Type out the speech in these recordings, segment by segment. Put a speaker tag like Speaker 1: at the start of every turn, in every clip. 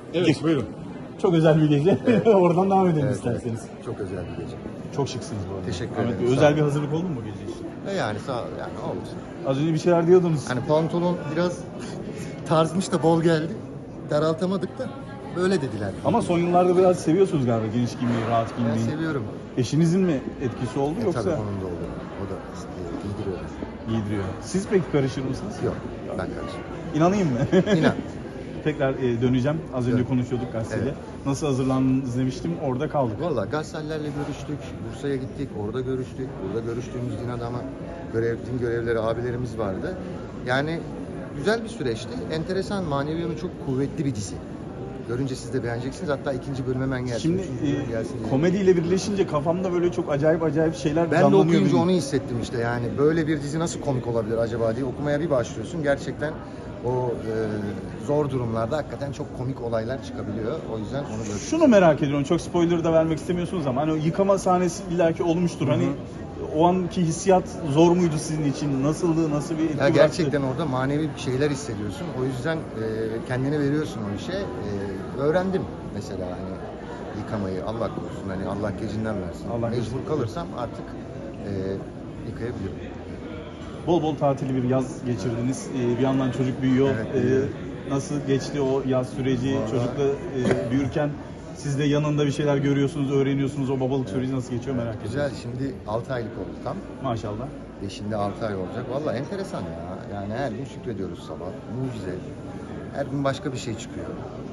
Speaker 1: Evet, buyurun.
Speaker 2: Çok özel bir gece.
Speaker 1: Evet.
Speaker 2: Oradan devam edelim
Speaker 1: Evet,
Speaker 2: isterseniz.
Speaker 1: Çok özel bir gece.
Speaker 2: Çok şıksınız bu arada.
Speaker 1: Teşekkür
Speaker 2: Ahmet
Speaker 1: ederim,
Speaker 2: Bey,
Speaker 1: sağ
Speaker 2: özel
Speaker 1: olun.
Speaker 2: bir hazırlık oldu mu bu gece için?
Speaker 1: Yani sağ ol, yani oldu.
Speaker 2: Az önce bir şeyler diyordunuz.
Speaker 1: Hani pantolon biraz tarzmış da bol geldi. Daraltamadık da böyle dediler.
Speaker 2: Ama son yıllarda biraz seviyorsunuz galiba geniş giymeyi, rahat
Speaker 1: Ben
Speaker 2: giymeyi.
Speaker 1: seviyorum.
Speaker 2: Eşinizin mi etkisi oldu yoksa
Speaker 1: Tabii onun da oldu. O da giydiriyor.
Speaker 2: giydiriyor? Siz peki karışır mısınız?
Speaker 1: Yok, ben karışım.
Speaker 2: İnanayım mı?
Speaker 1: İnan.
Speaker 2: Tekrar döneceğim. Az önce
Speaker 1: Evet.
Speaker 2: konuşuyorduk gazeteyle.
Speaker 1: Evet.
Speaker 2: Nasıl hazırlandınız demiştim. Orada kaldık.
Speaker 1: Valla gazetelerle görüştük, Bursa'ya gittik, orada görüştük. Burada görüştüğümüz din adamı, din görevlileri abilerimiz vardı. Yani güzel bir süreçti. Enteresan, manevi yönü çok kuvvetli bir dizi. Görünce siz de beğeneceksiniz. Hatta ikinci bölüm hemen gelsin.
Speaker 2: Şimdi
Speaker 1: üçüncü bölüm gelsin diye.
Speaker 2: komediyle birleşince kafamda böyle çok acayip şeyler
Speaker 1: Ben de
Speaker 2: canlanıyor
Speaker 1: okuyunca
Speaker 2: benim.
Speaker 1: onu hissettim işte. Yani böyle bir dizi nasıl komik olabilir acaba diye okumaya bir başlıyorsun. Gerçekten o zor durumlarda hakikaten çok komik olaylar çıkabiliyor. O yüzden onu böyle...
Speaker 2: Şunu merak ediyorum. Çok spoiler da vermek istemiyorsunuz ama hani o yıkama sahnesi illaki olmuştur. Hani o anki hissiyat zor muydu sizin için? Nasıldı? Nasıl bir etki
Speaker 1: Ya
Speaker 2: bıraktı?
Speaker 1: gerçekten orada manevi bir şeyler hissediyorsun. O yüzden kendini veriyorsun o işe. Öğrendim mesela hani yıkamayı. Allah korusun. Hani Allah gecinden versin.
Speaker 2: Allah
Speaker 1: Mecbur
Speaker 2: gecinden
Speaker 1: kalırsam artık yıkayabilirim.
Speaker 2: Bol tatili bir yaz geçirdiniz. Bir yandan çocuk büyüyor.
Speaker 1: Evet, büyüyor.
Speaker 2: Nasıl geçti o yaz süreci?
Speaker 1: Vallahi-
Speaker 2: Çocukla büyürken siz de yanında bir şeyler görüyorsunuz, öğreniyorsunuz. O babalık süreci nasıl geçiyor merak ediyorum.
Speaker 1: Güzel. Şimdi 6 aylık oldu tam.
Speaker 2: Maşallah.
Speaker 1: Şimdi 6 ay olacak. Valla enteresan ya. Yani her gün şükrediyoruz sabah. Mucize. Her gün başka bir şey çıkıyor.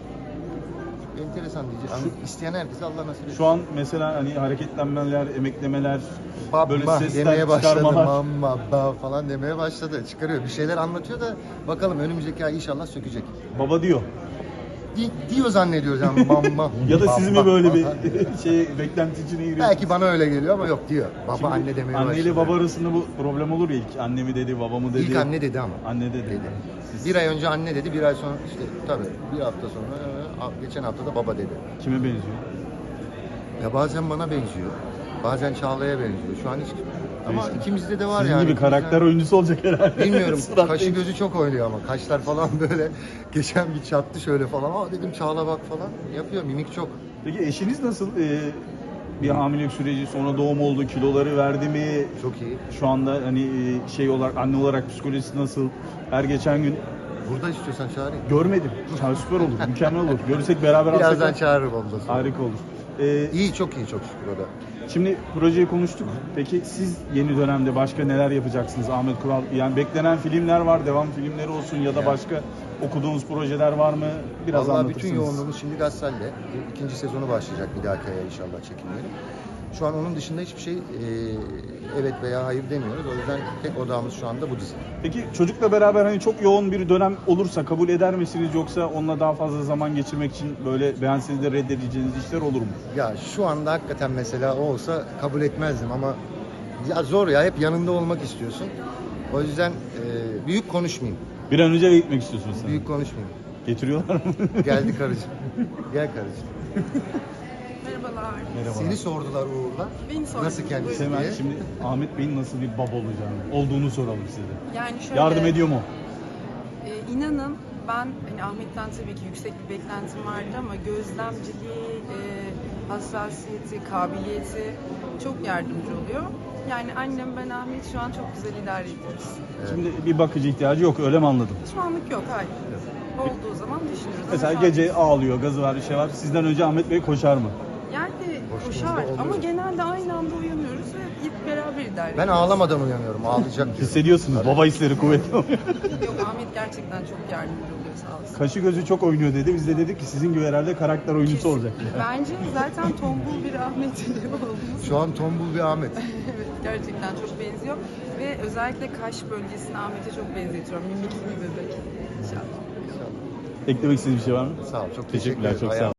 Speaker 1: Enteresan diyeceğim. Ama isteyen herkese Allah nasip etsin.
Speaker 2: Şu an mesela hani hareketlenmeler, emeklemeler, böyle
Speaker 1: Baba
Speaker 2: sesler
Speaker 1: demeye başladı,
Speaker 2: çıkarmalar.
Speaker 1: mamma ba falan demeye başladı. Çıkarıyor. Bir şeyler anlatıyor da bakalım önümüzdeki ay inşallah sökecek.
Speaker 2: Baba diyor.
Speaker 1: Diyor zannediyoruz yani mamma.
Speaker 2: Ya da siz mi
Speaker 1: baba
Speaker 2: böyle bir
Speaker 1: falan.
Speaker 2: beklenti içine giriyorsunuz?
Speaker 1: Belki bana öyle geliyor ama yok diyor. Baba
Speaker 2: Şimdi
Speaker 1: anne demeye
Speaker 2: anne ile
Speaker 1: başladı.
Speaker 2: baba arasında bu problem olur ya ilk. Anne mi dedi, baba mı dedi?
Speaker 1: İlk anne dedi ama.
Speaker 2: Anne dedi. Siz
Speaker 1: Bir ay önce anne dedi, bir ay sonra işte tabii bir hafta sonra geçen hafta da baba dedi.
Speaker 2: kime benziyor?
Speaker 1: Ya bazen bana benziyor, bazen Çağla'ya benziyor. Şu an hiç ama
Speaker 2: Değişti.
Speaker 1: ikimizde de var
Speaker 2: Sizin
Speaker 1: yani.
Speaker 2: gibi karakter oyuncusu olacak herhalde.
Speaker 1: Bilmiyorum.
Speaker 2: Surat
Speaker 1: Kaşı
Speaker 2: değil.
Speaker 1: gözü çok oynuyor ama kaşlar falan böyle geçen bir çattı şöyle falan. Aa dedim Çağla bak falan yapıyor. Mimik çok.
Speaker 2: Peki eşiniz nasıl? Bir hamilelik süreci, sonra doğum oldu, kiloları verdi mi?
Speaker 1: Çok iyi.
Speaker 2: Şu anda hani şey olarak, anne olarak psikolojisi nasıl? Her geçen gün
Speaker 1: Burada istiyorsan çağırayım.
Speaker 2: görmedim. Süper olur, mükemmel olur. Görürsek beraber
Speaker 1: Birazdan
Speaker 2: alsak
Speaker 1: çağırırım onu da sonra.
Speaker 2: harika olur.
Speaker 1: İyi çok iyi çok şükür o da.
Speaker 2: Şimdi projeyi konuştuk. Peki siz yeni dönemde başka neler yapacaksınız Ahmet Kural? Yani beklenen filmler var, devam filmleri olsun ya da
Speaker 1: Yani.
Speaker 2: başka okuduğunuz projeler var mı? Biraz
Speaker 1: Vallahi
Speaker 2: anlatırsınız.
Speaker 1: bütün yoğunluğumuz şimdi Gassal'de. İkinci sezonu başlayacak bir dahaki aya inşallah çekimleri. Şu an onun dışında hiçbir şey evet veya hayır demiyoruz. O yüzden tek odağımız şu anda bu dizi.
Speaker 2: Peki çocukla beraber hani çok yoğun bir dönem olursa kabul eder misiniz yoksa onunla daha fazla zaman geçirmek için böyle beğenseniz de reddedeceğiniz işler olur mu?
Speaker 1: Ya şu anda hakikaten mesela o olsa kabul etmezdim ama ya zor ya hep yanında olmak istiyorsun. O yüzden büyük konuşmayayım.
Speaker 2: Bir an önce eve gitmek istiyorsunuz sen.
Speaker 1: Büyük konuşmayayım.
Speaker 2: Getiriyorlar mı?
Speaker 1: Geldi karıcığım. Gel karıcığım.
Speaker 3: Merhabalar.
Speaker 2: Merhaba.
Speaker 1: Seni sordular Uğur'la.
Speaker 3: Beni sordular.
Speaker 1: Nasıl kendisi
Speaker 2: Hemen
Speaker 1: diye.
Speaker 2: şimdi Ahmet Bey'in nasıl bir baba olduğunu soralım size.
Speaker 3: Yani şöyle,
Speaker 2: Yardım ediyor mu?
Speaker 3: İnanın ben hani Ahmet'ten tabii ki yüksek bir beklentim vardı ama gözlemciliği, hassasiyeti, kabiliyeti çok yardımcı oluyor. Yani annem ben Ahmet şu an çok güzel idare ediyoruz.
Speaker 2: Şimdi bir bakıcı ihtiyacı yok öyle mi anladım?
Speaker 3: Şu anlık yok, hayır. Olduğu zaman düşünürüz. Ama
Speaker 2: Mesela
Speaker 3: şu an-
Speaker 2: gece ağlıyor, gazı var, bir şey var. Sizden önce Ahmet Bey koşar mı?
Speaker 3: Yani
Speaker 1: Koştuğumuzda
Speaker 3: koşar
Speaker 1: oluyor.
Speaker 3: ama genelde aynı anda uyanıyoruz ve hep beraber idare
Speaker 1: Ben
Speaker 3: ediyoruz.
Speaker 1: ağlamadan uyanıyorum. Ağlayacak diyorum.
Speaker 2: Hissediyorsunuz baba hisleri kuvvetli oluyor.
Speaker 3: Yok, Ahmet gerçekten çok yardımcı oluyor, sağ olsun.
Speaker 2: Kaşı gözü çok oynuyor dedi. Biz de dedik ki sizin gibi herhalde karakter oyuncusu olacak.
Speaker 3: Bence zaten tombul bir Ahmet olduğumuz.
Speaker 1: Şu an tombul bir Ahmet.
Speaker 3: Evet, gerçekten çok benziyor ve özellikle kaş bölgesini Ahmet'e çok benzetiyorum. Mimikli bir bebek. İnşallah.
Speaker 2: Eklemek istediğiniz bir şey var mı?
Speaker 1: Sağ ol. Çok
Speaker 2: Teşekkürler,
Speaker 1: teşekkür ederim.
Speaker 2: çok sağ olun.